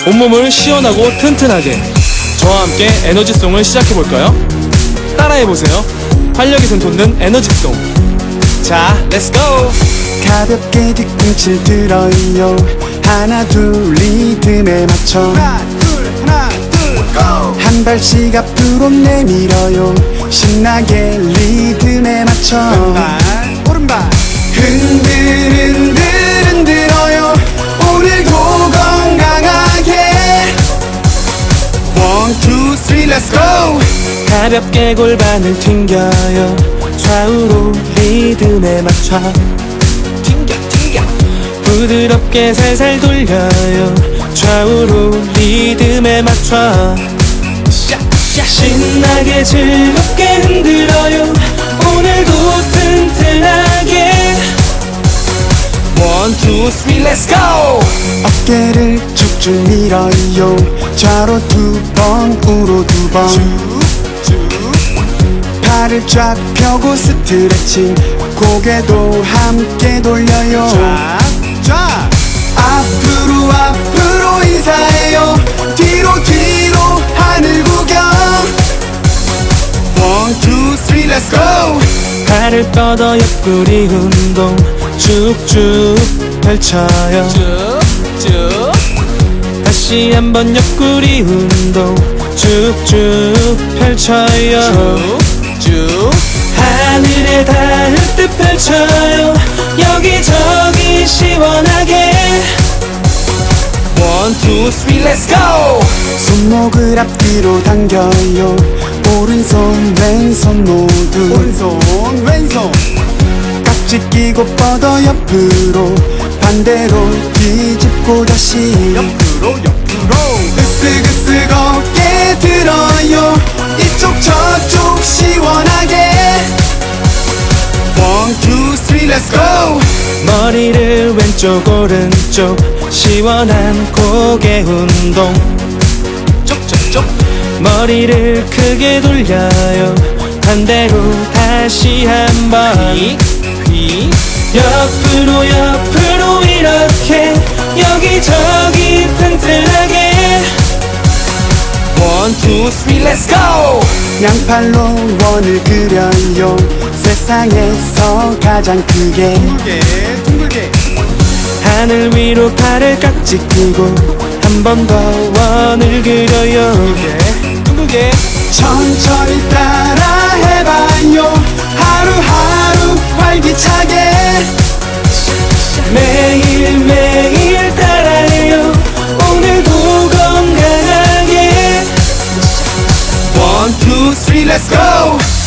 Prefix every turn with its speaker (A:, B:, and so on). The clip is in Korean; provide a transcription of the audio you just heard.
A: 온몸을 시원하고 튼튼하게 저와 함께 에너지송을 시작해볼까요? 따라해보세요. 활력이 솟는 에너지송. 자, 렛츠고!
B: 가볍게 뒤꿈치 들어요. 하나 둘 리듬에 맞춰
C: 하나 둘 고!
B: 한 발씩 앞으로 내밀어요. 신나게 리듬에 맞춰
C: 왼발 오른발
B: 흔들어요. 오늘도 건강하게 One, two, three, let's go.
A: 가볍게 골반을 튕겨요. 좌우로 리듬에 맞춰
C: 튕겨
A: 부드럽게 살살 돌려요. 좌우로 리듬에 맞춰 신나게 즐겁게 흔들어요. 오늘도 튼튼하게 One, two, three, let's go!
B: 어깨를 쭉쭉 밀어요. 좌로 두 번, 우로 두 번. 팔을 쫙 펴고 스트레칭. 고개도 함께 돌려요.
C: 쫙
B: 앞으로 인사해요. 뒤로 하늘 구경. One, two, three, let's go.
A: 발을 뻗어 옆구리 운동 쭉쭉 펼쳐요.
C: 쭉쭉
A: 다시 한번 옆구리 운동 쭉쭉 펼쳐요.
C: 쭉
A: 하늘에 닿을 듯 펼쳐요. 여기저기 시원하게 One, two, three, let's go!
B: 손목을 앞뒤로 당겨요. 오른손 왼손 모두
C: 오른손 왼손
B: 깍지 끼고 뻗어 옆으로. 반대로 뒤집고 다시
C: 옆으로
B: 으쓱으쓱 어깨 들어요. 이쪽 저쪽 시원하게 One, two, three, let's go.
A: 머리를 왼쪽 오른쪽 시원한 고개 운동
C: 쪽쪽쪽
A: 머리를 크게 돌려요. 반대로 다시 한번
C: 휘
A: 옆으로 이렇게 여기저기 튼튼하게 One, two, three, let's go!
B: 양팔로 원을 그려요. 세상에서 가장 크게
C: 둥글게
A: 하늘 위로 팔을 깍지 끼고 한 번 더 원을 그려요.
C: 둥글게
B: 천천히 따라 해봐요. 하루하루 활기차게
A: 매일매일 따라해요. 오늘도 건강하게
B: One, two, three, let's go.